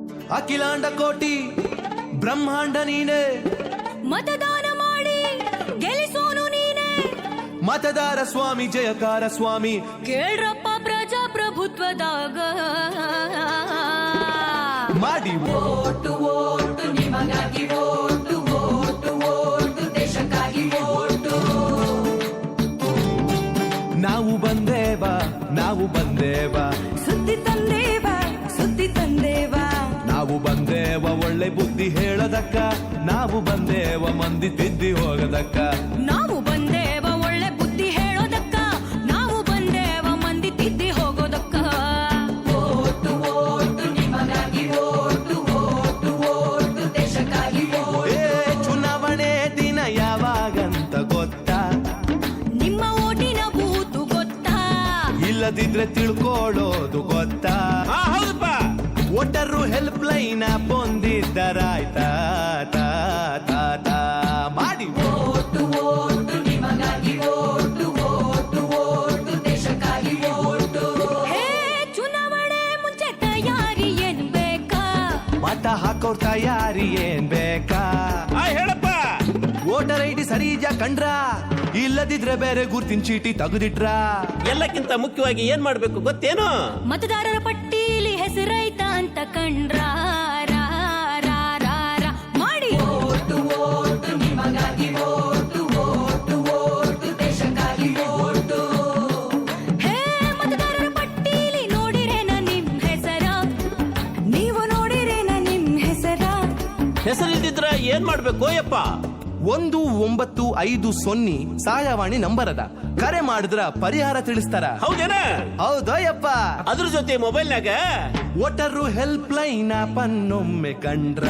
ಅಖಿಲಾಂಡ ಕೋಟಿ ಬ್ರಹ್ಮಾಂಡ ನೀನೆ, ಮತದಾನ ಮಾಡಿ ಗೆಲ್ಲಿಸೋನು ನೀನೆ. ಮತದಾರ ಸ್ವಾಮಿ ಜಯಕಾರ ಸ್ವಾಮಿ, ಕೇಳ್ರಪ್ಪ ಪ್ರಜಾಪ್ರಭುತ್ವದಾಗ ಮಾಡಿ ಓಟು ಓಟು ನಿಮಗಾಗಿ ಓಟು ಓಟು ಓಟು ದೇಶಕ್ಕಾಗಿ ಓಟು. ನಾವು ಬಂದೇವ ನಾವು ಬಂದೇವ, ಸುದ್ದಿ ತಂದೇವ ಸುದ್ದಿ ತಂದೇವ. ನಾವು ಬಂದೇವ ಒಳ್ಳೆ ಬುದ್ಧಿ ಹೇಳದಕ್ಕ, ನಾವು ಬಂದೇವ ಮಂದಿ ತಿದ್ದಿ ಹೋಗದಕ್ಕ. ನಾವು ಬಂದೇವ ಒಳ್ಳೆ ಬುದ್ಧಿ ಹೇಳೋದಕ್ಕ, ನಾವು ಬಂದೇವ ಮಂದಿ ತಿದ್ದಿ ಹೋಗೋದಕ್ಕ. ಓಟು ಓಟು ನಿಮಗಾಗಿ ಓಟು ಓಟು ಓಟು ದೇಶಕ್ಕಾಗಿ ಓಟು. ಚುನಾವಣೆ ದಿನ ಯಾವಾಗಂತ ಗೊತ್ತಾ? ನಿಮ್ಮ ಓಟಿನ ಬೂತು ಗೊತ್ತಾ? ಇಲ್ಲದಿದ್ರೆ ತಿಳ್ಕೊಳ್ಳೋದು ಗೊತ್ತಾ? ಹೌದಪ್ಪ. ವೋಟರು ಹೆಲ್ಪ್ ಲೈನ್ ಬಂದಿದ್ದರಾಯ್ತಾ? ಮಾಡಿ ಓಟು ಓಟು ನಿಮಗಾಗಿ ಓಟು ಓಟು ಓಟು ದೇಶಕ್ಕಾಗಿ ಓಟು. ಹೇ ಚುನಾವಣೆ ಮುಂಚೆ ತಯಾರಿ ಏನ್ ಬೇಕಾ? ಮತ ಹಾಕೋರ್ ತಯಾರಿ ಏನ್ ಬೇಕಾ? ಹೇಳಪ್ಪ. ವೋಟರ್ ಐಡಿ ಸರಿ ಇದ್ಯಾ ಕಂಡ್ರ? ಇಲ್ಲದಿದ್ರೆ ಬೇರೆ ಗುರ್ತಿನ ಚೀಟಿ ತೆಗೆದಿಟ್ರ? ಎಲ್ಲಕ್ಕಿಂತ ಮುಖ್ಯವಾಗಿ ಏನ್ ಮಾಡ್ಬೇಕು ಗೊತ್ತೇನು? ಮತದಾರರ ಪಟ್ಟೀಲಿ ಹೆಸರೈತ ಅಂತ ಕಂಡ್ರ ಮಾಡಿ. ಓಟು ಓಟು ನಿಮಗಾಗಿ ಓಟು ಓಟು ಓಟು ದೇಶಕ್ಕಾಗಿ ಓಟು. ಹೇ ಮತದಾರರ ಪಟ್ಟೀಲಿ ನೋಡಿರೇನ ನಿಮ್ ಹೆಸರ? ನೀವು ನೋಡಿರೇನ ನಿಮ್ ಹೆಸರ? ಹೆಸರಿಲ್ದಿದ್ರ ಏನ್ ಮಾಡ್ಬೇಕು ಯಪ್ಪ? 1950 ಸಹಾಯವಾಣಿ ನಂಬರ್ ಅದ, ಕರೆ ಮಾಡಿದ್ರ ಪರಿಹಾರ ತಿಳಿಸ್ತಾರ. ಹೌದೇನ? ಹೌದಯ್ಯಪ್ಪ. ಅದ್ರ ಜೊತೆ ಮೊಬೈಲ್ನಾಗ ವೋಟರು ಹೆಲ್ಪ್ ಲೈನ್ ಪನ್ನೊಮ್ಮೆ ಕಂಡ್ರ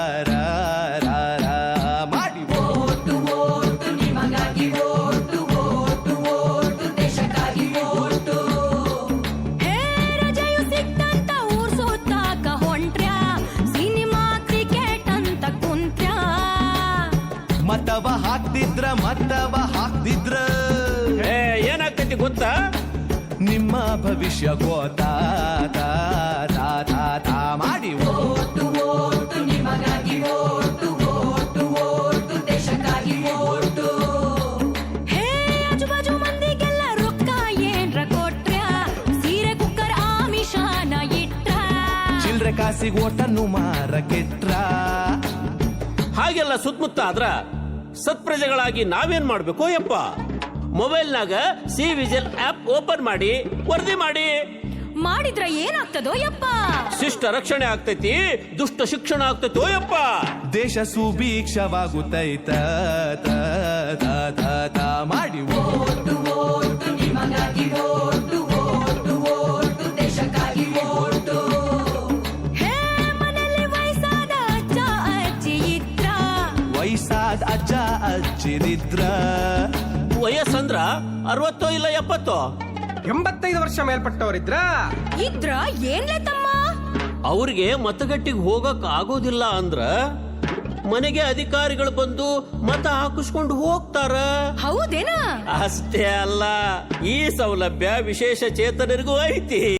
ಮಾಡಿ. ಓಟು ಓಟು ನಿಮಗಾಗಿ ಓಟು ಓಟು ಓಟು ದೇಶಕ್ಕಾಗಿ ಓಟು. ಹೇ ರಜೆಯು ಸಿಕ್ತಂತ ಊರ್ ಸುತ್ತಾಕ ಹೊಂಟ್ರ್ಯಾ? ಸಿನಿಮಾ ಕ್ರಿಕೆಟ್ ಅಂತ ಕುಂತ್ರ್ಯಾ? ಮತವ ಹಾಕ್ತಿದ್ರ ಏನಾಗ್ತೈತಿ ಗೊತ್ತಾ? ನಿಮ್ಮ ಭವಿಷ್ಯ ಗೋತಾ ಮಾಡಿ. ಓಟು ಓಟು ನಿಮಗಾಗಿ ಓಟು ಓಟು ಓಟು ದೇಶಕ್ಕಾಗಿ ಓಟು. ಹೇ ಆಜುಬಾಜು ಮಂದಿಗೆಲ್ಲ ರೊಕ್ಕ ಏನ್ರ ಕೊಟ್ರ್ಯಾ? ಸೀರೆ ಕುಕ್ಕರ್ ಆಮಿಷಾನ ಇಟ್ರ? ಚಿಲ್ರೆ ಕಾಸಿಗೆ ಓಟನ್ನು ಮಾರಕೆಟ್ರ? ಹಾಗೆಲ್ಲ ಸುತ್ತಮುತ್ತ ಆದ್ರ ಸತ್ಪ್ರಜೆಗಳಾಗಿ ನಾವೇನ್ ಮಾಡ್ಬೇಕು ಯಪ್ಪ? ಮೊಬೈಲ್ನಾಗ ಸಿ ವಿಜಿಲ್ ಆಪ್ ಓಪನ್ ಮಾಡಿ ವರದಿ ಮಾಡಿ. ಮಾಡಿದ್ರ ಏನಾಗ್ತದೋ ಯಪ್ಪ? ಶಿಷ್ಟ ರಕ್ಷಣೆ ಆಗ್ತೈತಿ, ದುಷ್ಟ ಶಿಕ್ಷಣ ಆಗ್ತೈತೋ ಯಪ್ಪ. ದೇಶ ಸುಭೀಕ್ಷವಾಗುತ್ತೈತ ಮಾಡಿ. ಓಟು ಓಟು ನಿಮಗಾಗಿ ಓಟು ಓಟು ಓಟು ದೇಶಕ್ಕಾಗಿ ಓಟು. ಹೇ ಮನೆಯಲ್ಲಿ ವಯಸ್ಸಾದ ಅಜ್ಜ ಅಜ್ಜಿ ಇದ್ರ? ವಯಸ್ಸಾದ ಅಜ್ಜ ಅಜ್ಜಿರಿದ್ರ? ವಯಸ್ಸಂದ್ರ 60 ಇಲ್ಲ 70? 85 ವರ್ಷ ಮೇಲ್ಪಟ್ಟವರಿದ್ರ? ಇದ್ರ ಏನ್ಲೆ ತಮ್ಮ? ಅವ್ರಿಗೆ ಮತಗಟ್ಟಿಗೆ ಹೋಗಕ್ ಆಗೋದಿಲ್ಲ ಅಂದ್ರ ಮನೆಗೆ ಅಧಿಕಾರಿಗಳು ಬಂದು ಮತ ಹಾಕಿಸ್ಕೊಂಡು ಹೋಗ್ತಾರ. ಹೌದೇನಾ? ಅಷ್ಟೇ ಅಲ್ಲ, ಈ ಸೌಲಭ್ಯ ವಿಶೇಷ ಚೇತನರಿಗೂ ಐತಿ.